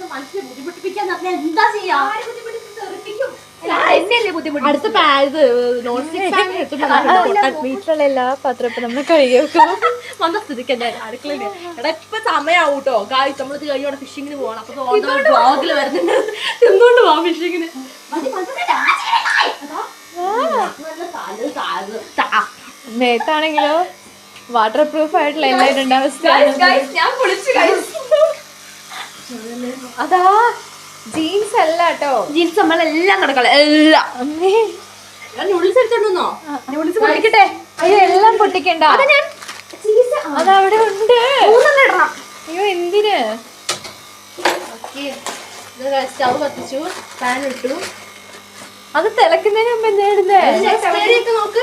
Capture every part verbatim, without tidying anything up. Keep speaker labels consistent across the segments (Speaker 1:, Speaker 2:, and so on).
Speaker 1: മനുഷ്യനെ ബുദ്ധിമുട്ടിപ്പിക്കാൻ എന്താ ചെയ്യാ?
Speaker 2: അടുത്ത നോൺ സ്റ്റിക് വീട്ടിലുള്ള എല്ലാ പാത്രവും ഇപ്പൊ നമ്മള് കഴുകി വെക്കും.
Speaker 1: വന്ന സ്ഥിതിക്ക് എന്റെ അടുക്കളയിൽ എടാ ഇപ്പൊ സമയാവും കേട്ടോ. ഗായ്സ് നമ്മളിത് കഴിഞ്ഞോടെ ഫിഷിങ്ങിന് പോകണം. അപ്പൊ ബ്ലോഗിൽ വരുന്നുണ്ട് എന്തുകൊണ്ട് പോവാം ഫിഷിങ്ങിന്.
Speaker 2: മേത്താണെങ്കിലോ വാട്ടർ പ്രൂഫ് ആയിട്ടുള്ള എല്ലാവരും അവസ്ഥ. അതാ ജീൻസ് അല്ല കേട്ടോ,
Speaker 1: ജീൻസ് നമ്മളെല്ലാം കിടക്കളെ എല്ലാം. നൂഡിൽസ് എടുത്തോണ്ടോ? നൂഡിൽസ് പൊട്ടിക്കട്ടെ.
Speaker 2: അയ്യോ എല്ലാം പൊട്ടിക്കണ്ട, അതവിടെ ഉണ്ട്. അയ്യോ എന്തിന്?
Speaker 1: സ്റ്റവ് കത്തിച്ചു, പാൻ ഇട്ടു.
Speaker 2: അത് തിളക്കുന്നതിന് മുമ്പ് എന്താ ഇടുന്നേ?
Speaker 1: നോക്ക്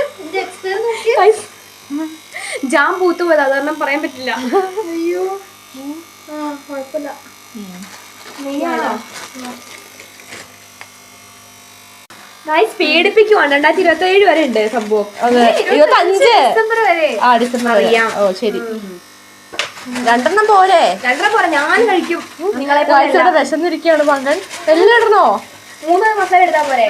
Speaker 3: ജാം പൂത്തു പോയത്, അതൊന്നും പറയാൻ പറ്റില്ല.
Speaker 1: അയ്യോ ആ കുഴപ്പമില്ല.
Speaker 3: പീഡിപ്പിക്കുവാണ്. രണ്ടായിരത്തി ഇരുപത്തി ഏഴ് വരെ ഉണ്ട് സംഭവം.
Speaker 2: ഇരുപത്തി അഞ്ച്
Speaker 3: ഡിസംബർ വരെ.
Speaker 2: ആ ഡിസംബർ അറിയാം. ഓ ശരി, രണ്ടെണ്ണം പോരെ?
Speaker 3: രണ്ടെണ്ണം പോരെ, ഞാൻ കഴിക്കും.
Speaker 2: നിങ്ങളെ വിശന്നിരിക്കുകയാണ് മകൻ. എല്ലാം ഇടണോ?
Speaker 3: മൂന്ന് മസാല എടുത്താ പോരെ?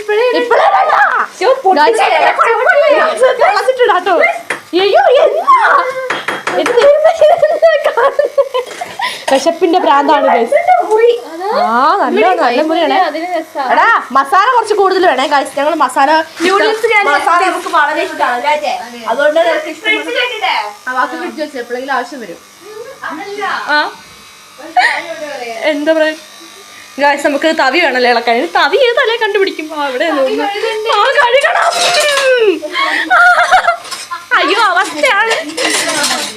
Speaker 2: വിശപ്പിന്റെ പ്രാന്താണ്. ആ നല്ല നല്ല മുറിയാണേ. എടാ മസാല കുറച്ച് കൂടുതൽ വേണേ ഗൈസ്. ഞങ്ങൾ മസാല
Speaker 1: മസാല നമുക്ക് വളരെ ഇഷ്ടമാണ്. അതുകൊണ്ട് വാക്ക് പിടിച്ചു വെച്ചു എപ്പോഴെങ്കിലും ആവശ്യം വരും.
Speaker 2: എന്താ പറയാ ഗൈസ്, നമുക്ക് തവി വേണമല്ലോ ഇളക്കാൻ. തവി ഏത് തലേ കണ്ടുപിടിക്കും? അവിടെ കഴുകണം. അയ്യോ അവസ്ഥയാണ്.